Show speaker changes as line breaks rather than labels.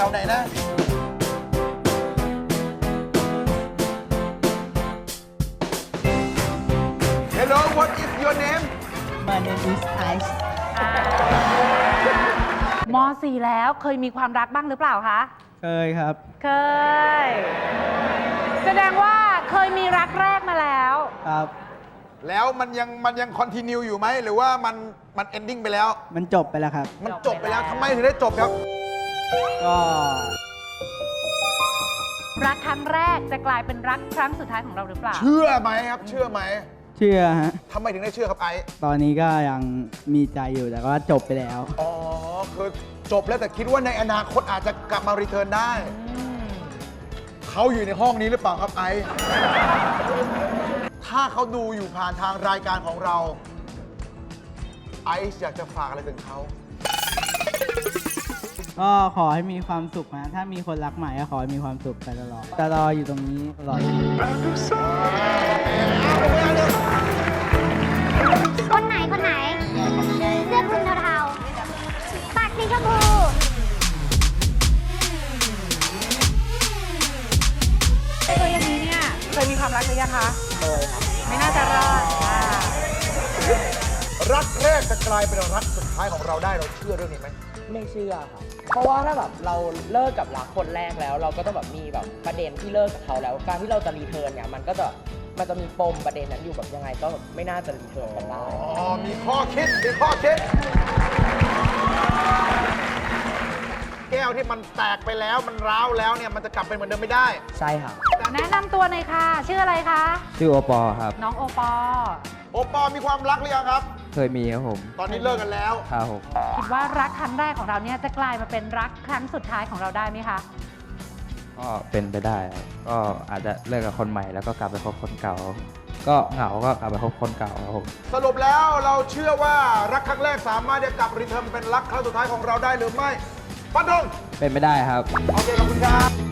ถวไหนนะ Hello what is your name
My name is Ice
ม .4 แล้วเคยมีความรักบ้างหรือเปล่าคะ
เคยครับ
เคย แสดงว่าเคยมีรักแรกมาแล้ว
ครับ
แล้วมันยังคอนติเนียอยู่ไหมหรือว่ามันเอนดิ้งไปแล้ว
มันจบไปแล้วครับ
มันจบไปแล้วทำไมถึงได้จบครับ
ก็
รักครั้งแรกจะกลายเป็นรักครั้งสุดท้ายของเราหรือเปล่า
เชื่อไหมครับ เชื่อไหม
เชื่อฮะ
ทำไมถึงได้เชื่อครับไอซ์
ตอนนี้ก็ยังมีใจอยู่แต่ก็จบไปแล้ว
อ๋อคือจบแล้วแต่คิดว่าในอนาคตอาจจะกลับมารีเทิร์นได้ เขาอยู่ในห้องนี้หรือเปล่าครับไอซ์ถ้าเขาดูอยู่ผ่านทางรายการของเราไอซ์อยากจะฝากอะไรถึงเขา
ก็ขอให้มีความสุขนะ ถ้ามีคนรักใหม่ก็ขอให้มีความสุขไปตลอดจะรออยู่ตรงนี้ตลอด
คนไหนเสื้อคลุมเทาๆปากสีชมพู
ตัวอย่างนี้เนี่ยเคยมีความรักหรือยังคะเคยครับไม่น่าจะรอด
รักแรกจะกลายเป็นรักสุดท้ายของเราได้เราเชื่อเรื่องนี้ไหม
ไม่เชื่อครับ เพราะว่าถ้าแบบเราเลิกกับรักคนแรกแล้ว เราก็ต้องแบบมีแบบประเด็นที่เลิกกับเขาแล้ว การที่เราจะรีเทิร์นเนี่ยมันจะมีปมประเด็นนั้นอยู่แบบยังไงก็แบบไม่น่าจะรีเทิร์นกันได้
อ๋อ มีข้อคิด แก้วที่มันแตกไปแล้วมันร้าวแล้วเนี่ยมันจะกลับเป็นเหมือนเดิมไม่ได้
ใช่ครับ
แนะนำตัวหน่อยค่ะ ชื่ออะไรคะ
ชื่อโอปอครับ
น้องโอปอ
โอปอมีความรักหรือยังครับ
เคยมีครับผม
ตอนนี้เลิกกันแล้ว
ครับผม
คิดว่ารักครั้งแรกของเราเนี่ยจะกลายมาเป็นรักครั้งสุดท้ายของเราได้ไหมคะ
ก็เป็นไปได้ครับก็อาจจะเลิกกับคนใหม่แล้วก็กลับไปคบคนเก่า ก็เหงาก็กลับไปคบคนเก่าครับผม
สรุปแล้วเราเชื่อว่ารักครั้งแรกสามารถจะกลับรีเทิร์นเป็นรักครั้งสุดท้ายของเราได้หรือไม่ฟันธง
เป็นไม่ได้ครับ
โอเคขอบคุณครับ